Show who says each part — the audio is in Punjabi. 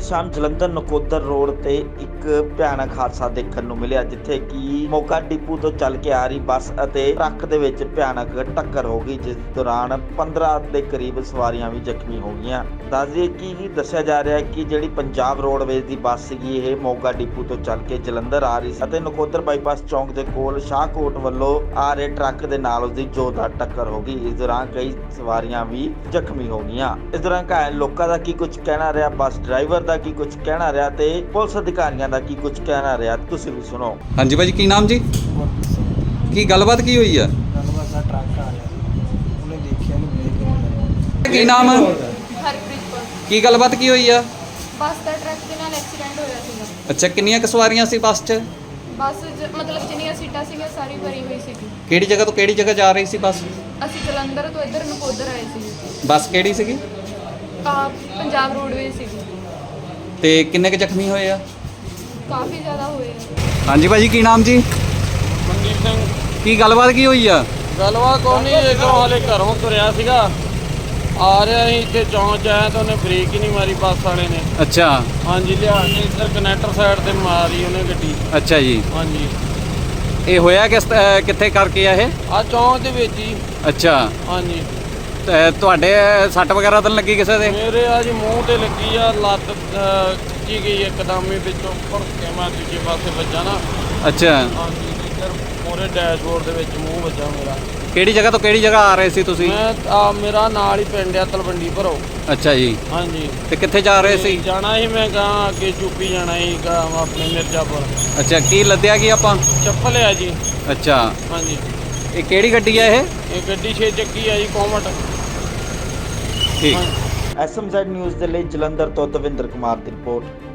Speaker 1: शाम जलंधर नकोदर रोड ते एक भयानक हादसा देखने ਨੂੰ ਮਿਲਿਆ ਜਿੱਥੇ ਕਿ ਮੋਗਾ ਡਿਪੂ ਤੋਂ ਚੱਲ ਕੇ ਆ ਰਹੀ ਬੱਸ ਅਤੇ ਟਰੱਕ ਦੇ ਵਿੱਚ ਭਿਆਨਕ ਟੱਕਰ ਹੋ ਗਈ ਜਿਸ ਦੌਰਾਨ 15 ਦੇ ਕਰੀਬ ਸਵਾਰੀਆਂ ਵੀ ਜ਼ਖਮੀ ਹੋ ਗਈਆਂ। ਦੱਸ ਦਈਏ ਕਿ ਦੱਸਿਆ ਜਾ ਰਿਹਾ ਹੈ ਕਿ ਜਿਹੜੀ ਪੰਜਾਬ ਰੋਡਵੇਜ਼ ਦੀ ਬੱਸ ਸੀਗੀ ਇਹ ਮੋਗਾ ਡਿਪੂ ਤੋਂ ਚੱਲ ਕੇ ਜਲੰਧਰ ਆ ਰਹੀ ਸੀ ਅਤੇ ਨਕੋਦਰ ਬਾਈਪਾਸ ਚੌਂਕ ਦੇ ਕੋਲ ਸ਼ਾਹਕੋਟ ਵੱਲੋਂ ਆ ਰਹੇ ਟਰੱਕ ਦੇ ਨਾਲ ਉਸਦੀ ਜ਼ੋਰਦਾਰ ਟੱਕਰ ਹੋ ਗਈ। ਇਸ ਦੌਰਾਨ ਕਈ ਸਵਾਰੀਆਂ ਵੀ ਜ਼ਖਮੀ ਹੋ ਗਈਆਂ। ਇਸ ਦੌਰਾਨ ਘਾਇਲ ਲੋਕਾਂ ਦਾ ਕੀ ਕੁਝ ਕਹਿਣਾ ਰਿਹਾ, ਬੱਸ ਡਰਾਈਵਰ ਦਾ ਕੀ ਕੁਝ ਕਹਿਣਾ ਰਿਹਾ ਤੇ ਪੁਲਿਸ ਅਧਿਕਾਰੀਆਂ ਦਾ ਕੀ ਕੁਝ ਕਹਿਣਾ ਰਿਹਾ, ਤੁਸੀਂ ਵੀ ਸੁਣੋ।
Speaker 2: ਹਾਂਜੀ ਭਾਜੀ, ਕੀ ਨਾਮ ਜੀ? ਕੀ ਗੱਲਬਾਤ ਕੀ ਹੋਈ ਆ?
Speaker 3: ਗੱਲਬਾਤ ਦਾ ਟਰੱਕ ਆ ਰਿਹਾ ਉਹਨੇ ਦੇਖਿਆ ਨਹੀਂ ਬ੍ਰੇਕ ਨਹੀਂ ਮਾਰਿਆ।
Speaker 2: ਕੀ ਨਾਮ?
Speaker 4: ਹਰਪ੍ਰੀਤ ਕੌਰ।
Speaker 2: ਕੀ ਗੱਲਬਾਤ ਕੀ ਹੋਈ ਆ?
Speaker 4: ਬੱਸ ਦਾ ਟਰੱਕ ਦੇ ਨਾਲ ਐਕਸੀਡੈਂਟ ਹੋਇਆ ਸੀਗਾ।
Speaker 2: ਅੱਛਾ, ਕਿੰਨੀਆਂ ਕੁ ਸਵਾਰੀਆਂ ਸੀ ਬੱਸ 'ਚ?
Speaker 4: ਬੱਸ ਮਤਲਬ ਜਿੰਨੀਆਂ ਸੀਟਾਂ ਸੀਗੀਆਂ ਸਾਰੀ ਭਰੀ ਹੋਈ ਸੀਗੀ।
Speaker 2: ਕਿਹੜੀ ਜਗ੍ਹਾ ਤੋਂ ਕਿਹੜੀ ਜਗ੍ਹਾ ਜਾ ਰਹੀ ਸੀ ਬੱਸ?
Speaker 4: ਅਸੀਂ ਜਲੰਧਰ ਤੋਂ ਇੱਧਰ ਨਕੋਦਰ ਆਏ ਸੀ।
Speaker 2: ਬੱਸ ਕਿਹੜੀ ਸੀਗੀ?
Speaker 4: ਪੰਜਾਬ ਰੋਡਵੇਜ਼ ਸੀਗੀ।
Speaker 2: ਤੇ ਕਿੰਨੇ ਕੁ ਜ਼ਖਮੀ ਹੋਏ ਆ?
Speaker 4: ਕਾਫੀ ਜ਼ਿਆਦਾ ਹੋਏ ਆ।
Speaker 2: ਹਾਂਜੀ ਭਾਜੀ, ਕੀ ਨਾਮ ਜੀ?
Speaker 5: ਮਨਦੀਪ ਸਿੰਘ।
Speaker 2: ਕੀ ਗੱਲਬਾਤ ਕੀ ਹੋਈ ਆ?
Speaker 5: ਗੱਲਬਾਤ ਕੋਈ ਨਹੀਂ, ਇੱਧਰੋਂ ਹਾਲੇ ਘਰੋਂ ਤੁਰਿਆ ਸੀਗਾ, ਆ ਰਿਹਾ ਸੀ ਇੱਥੇ ਚੌਂਕ 'ਚ ਆਇਆ ਤਾਂ ਉਹਨੇ ਬ੍ਰੇਕ ਹੀ ਨਹੀਂ ਮਾਰੀ ਬੱਸ ਵਾਲੇ ਨੇ।
Speaker 2: ਅੱਛਾ।
Speaker 5: ਹਾਂਜੀ, ਲਿਆ ਕੇ ਇੱਧਰ ਕਨੈਕਟਰ ਸਾਈਡ ਤੇ ਮਾਰੀ ਉਹਨੇ ਗੱਡੀ।
Speaker 2: ਅੱਛਾ ਜੀ,
Speaker 5: ਹਾਂਜੀ,
Speaker 2: ਇਹ ਹੋਇਆ ਕਿੱਥੇ ਕਰਕੇ ਆ ਇਹ?
Speaker 5: ਆ ਚੌਂਕ ਦੇ ਵਿੱਚ ਹੀ।
Speaker 2: ਅੱਛਾ,
Speaker 5: ਹਾਂਜੀ,
Speaker 2: ਤੇ ਤੁਹਾਡੇ ਸੱਟ ਵਗੈਰਾ ਤਾਂ ਨੀ ਲੱਗੀ ਕਿਸੇ ਦੇ?
Speaker 5: ਮੇਰੇ ਆ ਜੀ ਮੂੰਹ ਤੇ ਲੱਗੀ ਆ, ਲੱਤ ਖਿੱਚੀ ਗਈ ਇੱਕਦਮ ਹੀ ਵਿੱਚੋਂ ਭਰ ਕੇ ਮੈਂ ਦੂਜੇ ਪਾਸੇ ਵੱਜਾ ਨਾ।
Speaker 2: ਅੱਛਾ,
Speaker 5: ਹਾਂਜੀ, ਇੱਧਰ ਮੋਰੇ ਡੈਸ਼ਬੋਰਡ ਦੇ ਵਿੱਚ ਮੂੰਹ ਵੱਜਾ ਮੇਰਾ।
Speaker 2: ਕਿਹੜੀ ਜਗ੍ਹਾ ਤੋਂ ਕਿਹੜੀ ਜਗ੍ਹਾ ਆ ਰਹੇ ਸੀ ਤੁਸੀਂ?
Speaker 5: ਮੇਰਾ ਨਾਲ ਹੀ ਪਿੰਡ ਆ ਤਲਵੰਡੀ ਭਰੋ।
Speaker 2: ਅੱਛਾ ਜੀ,
Speaker 5: ਹਾਂਜੀ,
Speaker 2: ਤੇ ਕਿੱਥੇ ਜਾ ਰਹੇ ਸੀ?
Speaker 5: ਜਾਣਾ ਸੀ ਮੈਂ ਗਾਂ ਅੱਗੇ ਯੂਪੀ ਜਾਣਾ ਸੀ ਆਪਣੇ ਮਿਰਜ਼ਾਪੁਰ।
Speaker 2: ਅੱਛਾ, ਕੀ ਲੱਦਿਆ ਕੀ ਆਪਾਂ?
Speaker 5: ਚੱਪਲ ਆ ਜੀ।
Speaker 2: ਅੱਛਾ,
Speaker 5: ਹਾਂਜੀ,
Speaker 2: ਇਹ ਕਿਹੜੀ ਗੱਡੀ ਆ ਇਹ?
Speaker 5: ਇਹ ਗੱਡੀ 6 ਚੱਕੀ ਆ ਜੀ, ਕੋਮਟ।
Speaker 2: ਠੀਕ।
Speaker 1: ਐਸਐਮਜ਼ੈਡ ਨਿਊਜ਼ ਦੇ ਲਈ ਜਲੰਧਰ ਤੋਂ ਦਵਿੰਦਰ ਕੁਮਾਰ ਦੀ ਰਿਪੋਰਟ।